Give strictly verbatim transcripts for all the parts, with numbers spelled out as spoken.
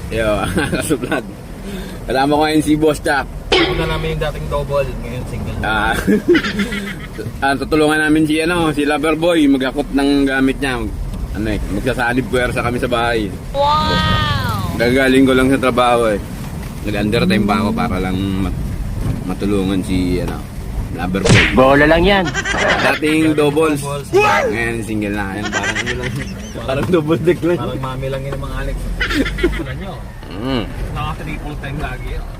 Yo, kasublad. Kasama ko ngayon si Boss Jack. Una namin yung dating double, ngayon single. Ah, ah, tutulungan namin si ano, si Loverboy magakot ng gamit niya. Ano eh, magsasalib puwersa kami sa bahay. Wow! Gagaling ko lang sa trabaho eh. Nag-undertime pa ako para lang mat- matulungan si ano, Loverboy. Bola lang yan. Dating doubles. Doubles. Ngayon single na. Ngayon parang ano lang. Parang double deck lang. Parang mami lang yun ng mga Alex. Wala nyo. Mm. Naka-triple time lagi yun.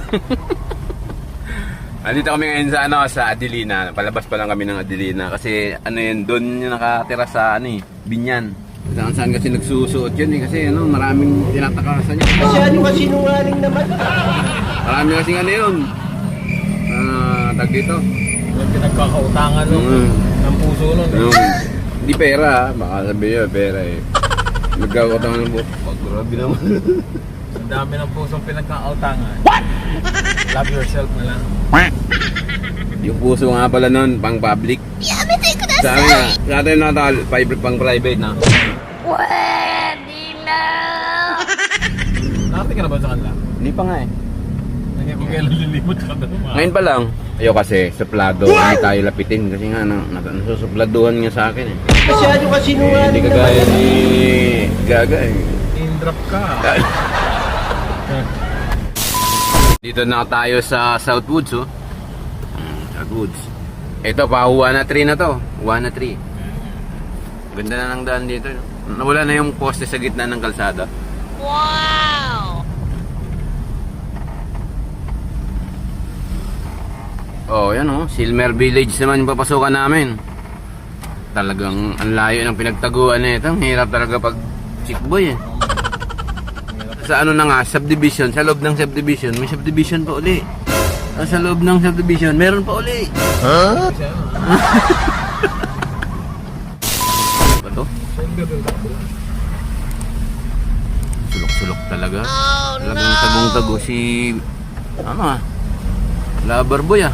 Andito kami ngayon sa ano, sa Adelina. Palabas pa lang kami ng Adelina kasi ano yun, doon yung nakatira sa ano eh, Binyan. Saan saan kasi nagsusuot yun eh, kasi ano, maraming tinatakasan niya. Masyado ka sinungaling naman. Marami kasi ano yun. Ah, tag dito. Yung pinagkakautangan nung Mm. ng puso nun. Yung, hindi pera ah, baka sabihin yun, pera eh. Nagkakotang ng buhok. Oh, grabe naman. Ang dami ng pusong pinagkakautangan. Love yourself na lang. Yung puso nga pala nun, pang public. Sa amin nga, sa atin na tal, private pang private na. Pwede na! Nakati ka na ba sa kanila? Hindi pa nga eh. Nangyay ko kailan lilimot ka na naman. Ngayon pa lang. Ayo kasi, suplado, hindi tayo lapitin. Kasi nga, na, na, nasusupladuhan nga sa akin eh. Masyado ka Eh, sinungaling hindi kagaya ni Gaga eh. In-drop ka. Dito na tayo sa Southwoods oh. Hmm, Southwoods. Ito pa, Juana Tree na to. Juana Tree. Ganda na ng daan dito. No? Nawala na yung poste sa gitna ng kalsada. Wow! Oh, yan oh. Silmer Village naman yung papasukan namin. Talagang ang layo ng pinagtaguan na ito. Ang hirap talaga pag chick boy eh. Sa ano na nga, subdivision, sa loob ng subdivision, may subdivision pa uli. Ah, sa loob ng subdivision, meron pa uli. Ha? Ba to? Sulok-sulok talaga. Oh, Talagang tagong-tago si... Ano ah? Loverboy ah.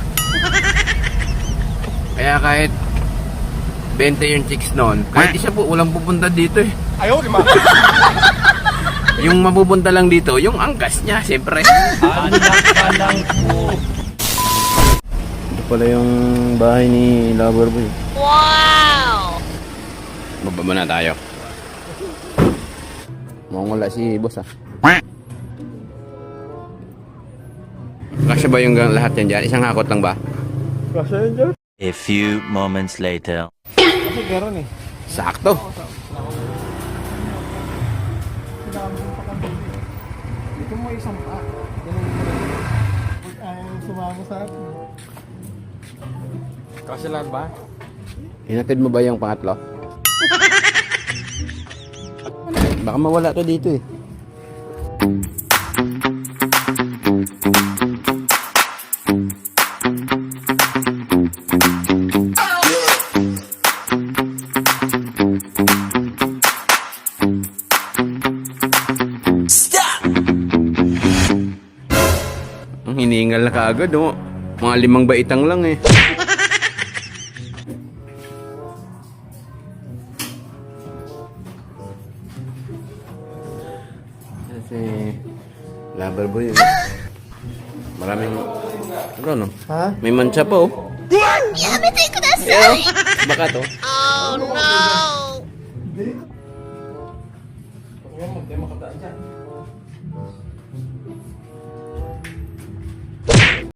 Kaya kahit twenty yung chicks noon, kahit isa po, walang pupunta dito eh. Ayaw, lima. Yung mapupunta lang dito, yung angkas niya, siyempre. Anak ka lang po. Ito pala yung bahay ni Loverboy. Wow! Baba muna tayo. Mukhang wala si boss ah. Kasya ba yung lahat yan dyan? Isang hakot lang ba? Kasi yun dyan. A few moments later. Kasi meron eh. Sakto. Dito mo isang pa. Ayaw sumama sa akin. Kasi lang ba? Hinatid mo ba yung pangatlo? Baka mawala to dito eh. Ang hiningal na kaagad oh. Mga limang baitang lang eh. Kasi Loverboy eh. Maraming ano no? Ha? May mancha pa oh. Yamete kudasai! Yeah. Baka to. Oh no! Huwag mo, hindi makadaan dyan.